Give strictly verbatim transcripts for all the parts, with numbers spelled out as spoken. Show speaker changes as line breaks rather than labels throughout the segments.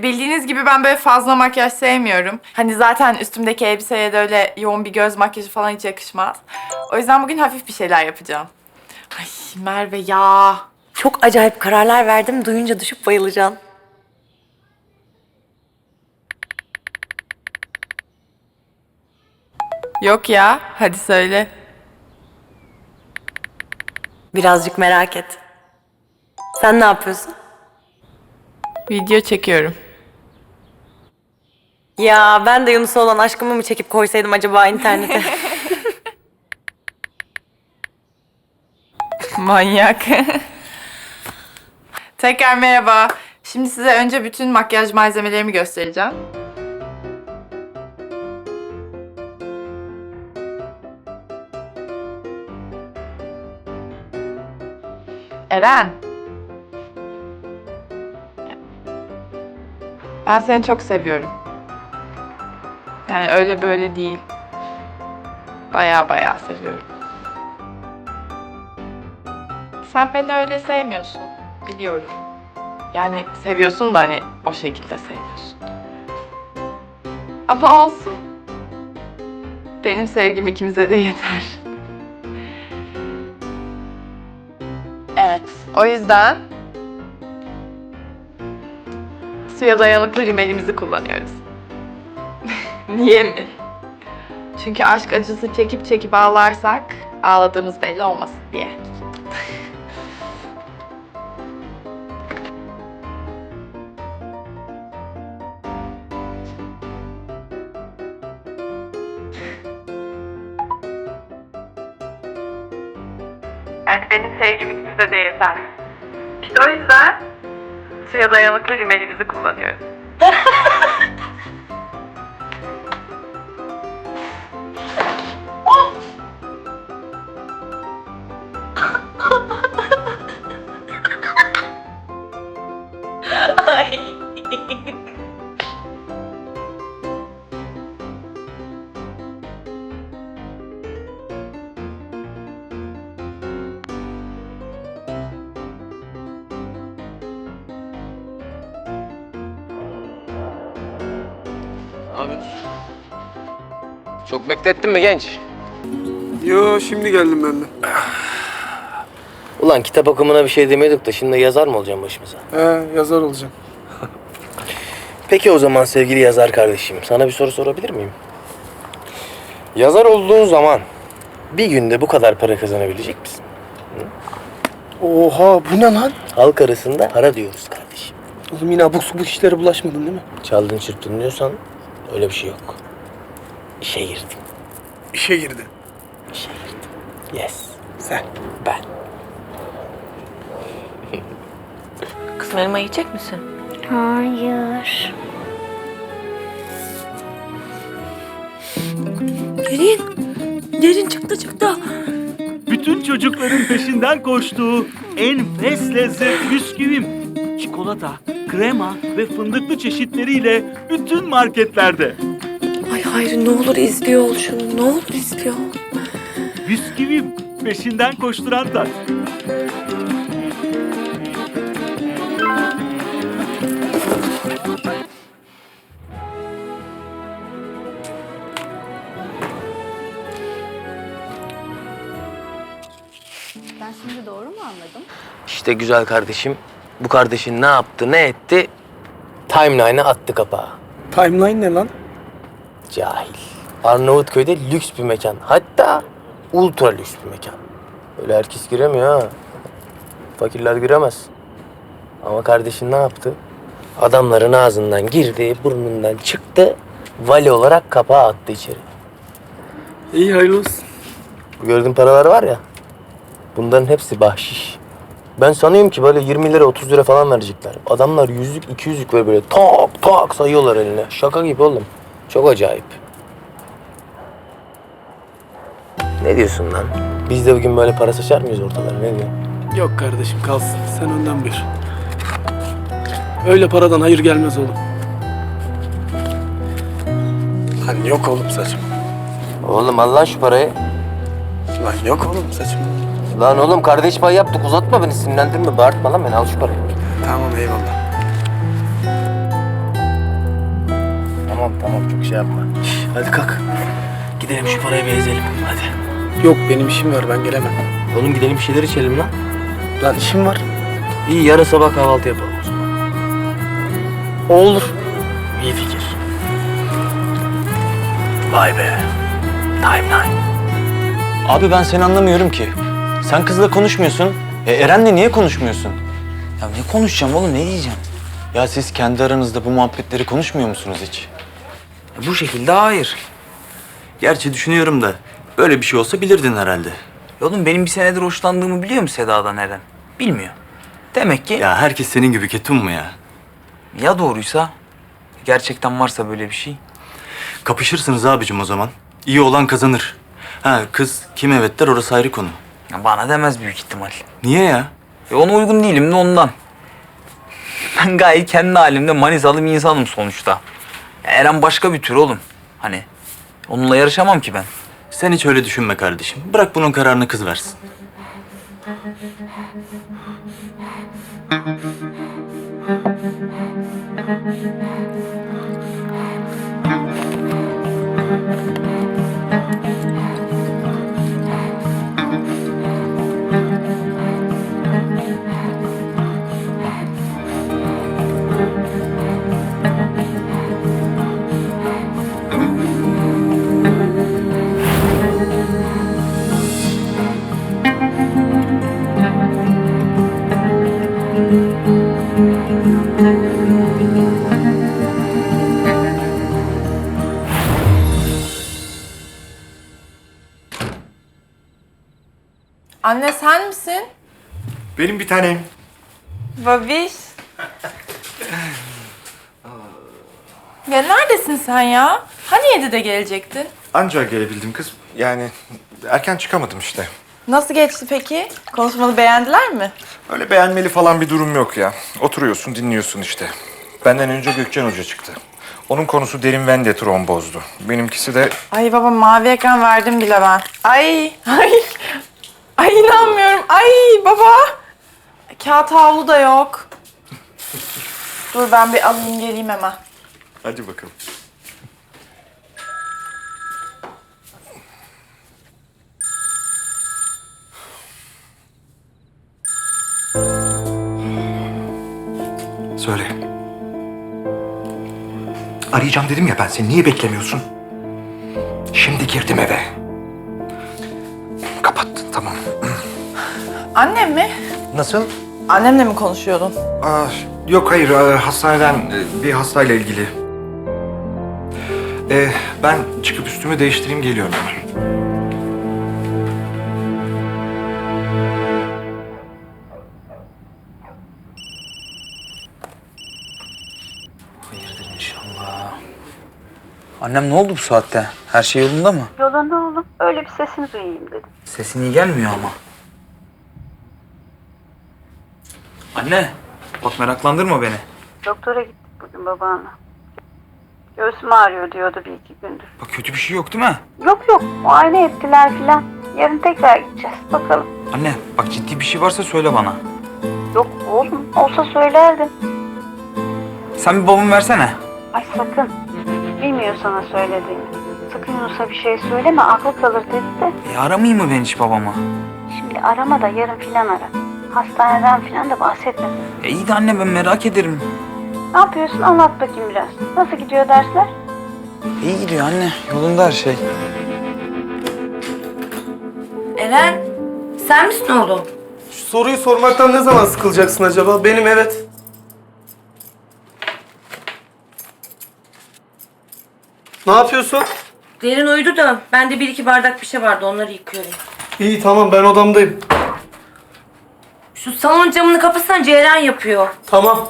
bildiğiniz gibi ben böyle fazla makyaj sevmiyorum. Hani zaten üstümdeki elbiseye de öyle yoğun bir göz makyajı falan hiç yakışmaz. O yüzden bugün hafif bir şeyler yapacağım. Ay Merve ya.
Çok acayip kararlar verdim. Duyunca düşüp bayılacaksın.
Yok ya, hadi söyle.
Birazcık merak et. Sen ne yapıyorsun?
Video çekiyorum.
Ya ben de Yunus'a olan aşkımı mı çekip koysaydım acaba internete?
Manyak. Tekrar merhaba. Şimdi size önce bütün makyaj malzemelerimi göstereceğim. Eren. Ben seni çok seviyorum. Yani öyle böyle değil. Baya baya seviyorum. Sen beni öyle sevmiyorsun. Biliyorum. Yani seviyorsun da hani o şekilde seviyorsun. Ama olsun. Benim sevgim ikimize de yeter. Evet. O yüzden suya dayanıklı rimelimizi kullanıyoruz. Niye mi? Çünkü aşk acısı çekip çekip ağlarsak ağladığımız belli olmasın diye. Yani benim sevgim ikimize de yeter. İşte o yüzden suya dayanıklı rimelimizi kullanıyoruz.
Ay.
Abi. Çok beklettin mi genç?
Yo, şimdi geldim ben de.
Ulan kitap okumuna bir şey demiyorduk da şimdi yazar mı olacağım başımıza?
He, yazar olacağım.
Peki o zaman sevgili yazar kardeşim, sana bir soru sorabilir miyim? Yazar olduğun zaman bir günde bu kadar para kazanabilecek misin?
Oha, bu ne lan?
Halk arasında para diyoruz kardeşim.
Oğlum yine abuk subuk işlere bulaşmadın değil mi?
Çaldın çırptın diyorsan öyle bir şey yok. İşe girdim.
İşe girdi.
İşe girdim. Yes.
Sen.
Ben.
Kızım elma yiyecek misin?
Hayır.
Derin. Derin çıktı çıktı.
Bütün çocukların peşinden koştuğu enfes lezzet bisküvim. Çikolata, krema ve fındıklı çeşitleriyle bütün marketlerde.
Ay Hayri ne olur izliyor ol şunu. Ne olur izliyor ol.
Bisküvim peşinden koşturan tat.
Ben şimdi doğru mu anladım?
İşte güzel kardeşim, bu kardeşin ne yaptı, ne etti? Timeline'a attı kapağı.
Timeline ne lan?
Cahil. Arnavutköy'de lüks bir mekan. Hatta ultra lüks bir mekan. Öyle herkes giremiyor ha. Fakirler giremez. Ama kardeşin ne yaptı? Adamların ağzından girdi, burnundan çıktı. Vali olarak kapağı attı içeri.
İyi, hayırlı olsun.
Bu gördüğün paralar var ya, bunların hepsi bahşiş. Ben sanıyorum ki böyle yirmi lira otuz lira falan verecekler. Adamlar yüzlük iki yüzlük böyle böyle tak tak sayıyorlar eline. Şaka gibi oğlum. Çok acayip. Ne diyorsun lan? Biz de bugün böyle para saçar mıyız ortalara? Ne diyorsun?
Yok kardeşim, kalsın. Sen önden bir. Öyle paradan hayır gelmez oğlum. Lan yok oğlum saçım.
Oğlum al lan şu parayı.
Lan yok oğlum saçım.
Lan oğlum kardeş pay yaptık, uzatma beni, sinirlendirme, bağırtma lan beni, al şu parayı.
Tamam, eyvallah.
tamam tamam çok şey yapma. Şş, hadi kalk. Gidelim şu parayı bir ezelim hadi.
Yok benim işim var ben gelemem.
Oğlum gidelim bir şeyler içelim lan.
Lan işim var.
İyi yarın sabah kahvaltı yapalım o zaman.
Olur.
İyi fikir. Vay be. Timeline.
Abi ben seni anlamıyorum ki. Sen kızla konuşmuyorsun. E Eren'le niye konuşmuyorsun?
Ya ne konuşacağım oğlum, ne diyeceğim?
Ya siz kendi aranızda bu muhabbetleri konuşmuyor musunuz hiç?
Ya bu şekilde hayır.
Gerçi düşünüyorum da böyle bir şey olsa bilirdin herhalde.
Ya oğlum benim bir senedir hoşlandığımı biliyor mu Seda'dan Eren? Bilmiyor. Demek ki ya,
Ya herkes senin gibi ketum mu ya?
ya doğruysa, gerçekten varsa böyle bir şey.
Kapışırsınız abicim o zaman. İyi olan kazanır. Ha kız kim evet der orası ayrı konu.
Ya bana demez büyük ihtimal.
Niye ya?
Ya ona uygun değilim de ondan. Ben gayet kendi halimde Manisalı bir insanım sonuçta. Ya Eren başka bir tür oğlum. Hani onunla yarışamam ki ben.
Sen hiç öyle düşünme kardeşim. Bırak bunun kararını kız versin.
Anne sen misin?
Benim bir tanem.
Babiş. Ya neredesin sen ya? Hani yedide gelecektin?
Ancak gelebildim kız. Yani erken çıkamadım işte.
Nasıl geçti peki? Konuşmanı beğendiler mi?
Öyle beğenmeli falan bir durum yok ya. Oturuyorsun, dinliyorsun işte. Benden önce Gökçen Hoca çıktı. Onun konusu derin ven de trombozdu. Benimkisi de
Ay baba mavi ekran verdim bile ben. Ay ay. Ay inanmıyorum. Ay baba. Kağıt havlu da yok. Dur ben bir alayım geleyim hemen.
hadi bakalım. Söyle. Arayacağım dedim ya ben seni. Niye beklemiyorsun? Şimdi girdim eve. Kapat, tamam.
Annem mi?
Nasıl?
Annemle mi konuşuyordun?
Aa, yok hayır, e, hastaneden e, bir hastayla ilgili. E, ben çıkıp üstümü değiştireyim geliyorum hemen.
Hayırdır inşallah. Annem ne oldu bu saatte? Her şey yolunda mı?
Yolunda oğlum. Öyle bir sesini duyayım dedim.
Sesin iyi gelmiyor ama. Anne, bak meraklandırma beni.
Doktora gittik bugün babanla. Göğsüm ağrıyor diyordu bir iki gündür.
Bak kötü bir şey yok değil mi?
Yok yok, muayene ettiler filan. Yarın tekrar gideceğiz, bakalım.
Anne, bak ciddi bir şey varsa söyle bana.
Yok oğlum, olsa söylerdim.
Sen bir babamı versene.
Ay sakın. Bilmiyor sana söylediğimi. Sakın Yunus'a bir şey söyleme, aklı kalır dedi de.
E aramayayım mı ben hiç babamı?
Şimdi arama da yarın filan ara. Hastaneden filan da bahsetme.
E iyi de anne ben merak ederim.
Ne yapıyorsun, anlat bakayım biraz. Nasıl gidiyor dersler?
İyi gidiyor anne, yolunda her şey.
Eren, sen misin oğlum?
Şu soruyu sormaktan ne zaman sıkılacaksın acaba? Benim evet. Ne yapıyorsun?
Derin uyudu da ben de bir iki bardak bir şey vardı onları yıkıyorum.
İyi tamam ben odamdayım.
Şu salon camını kapatsan Ceylan yapıyor.
Tamam.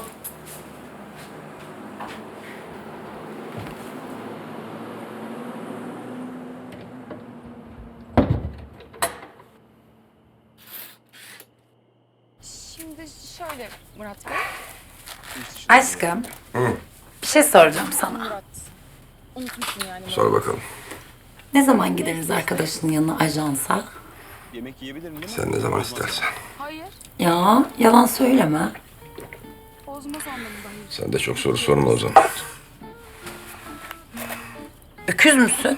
Şimdi şöyle Murat Bey.
Aşkım, bir şey soracağım sana.
Unutmuşsun yani.
Sor bakalım.
Ne zaman gideriz arkadaşının yanına ajansa?
Sen ne zaman istersen.
Hayır.
Ya, yalan söyleme.
Bozmaz anlamında hayır.
Sen de çok soru sorma o zaman.
Öküz müsün?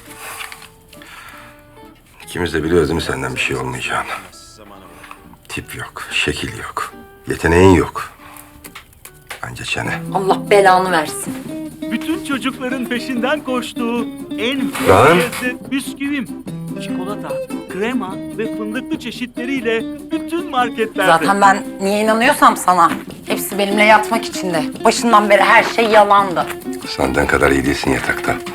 İkimiz de biliyoruz değil mi senden bir şey olmayacağını? Tip yok, şekil yok, yeteneğin yok. Anca çene.
Allah belanı versin.
Bütün çocukların peşinden koştuğu enfes
Lan.
lezzet bisküvim. Çikolata, krema ve fındıklı çeşitleriyle bütün marketlerde.
Zaten ben niye inanıyorsam sana. Hepsi benimle yatmak için de. Başından beri her şey yalandı.
Senden kadar iyi değilsin yatakta.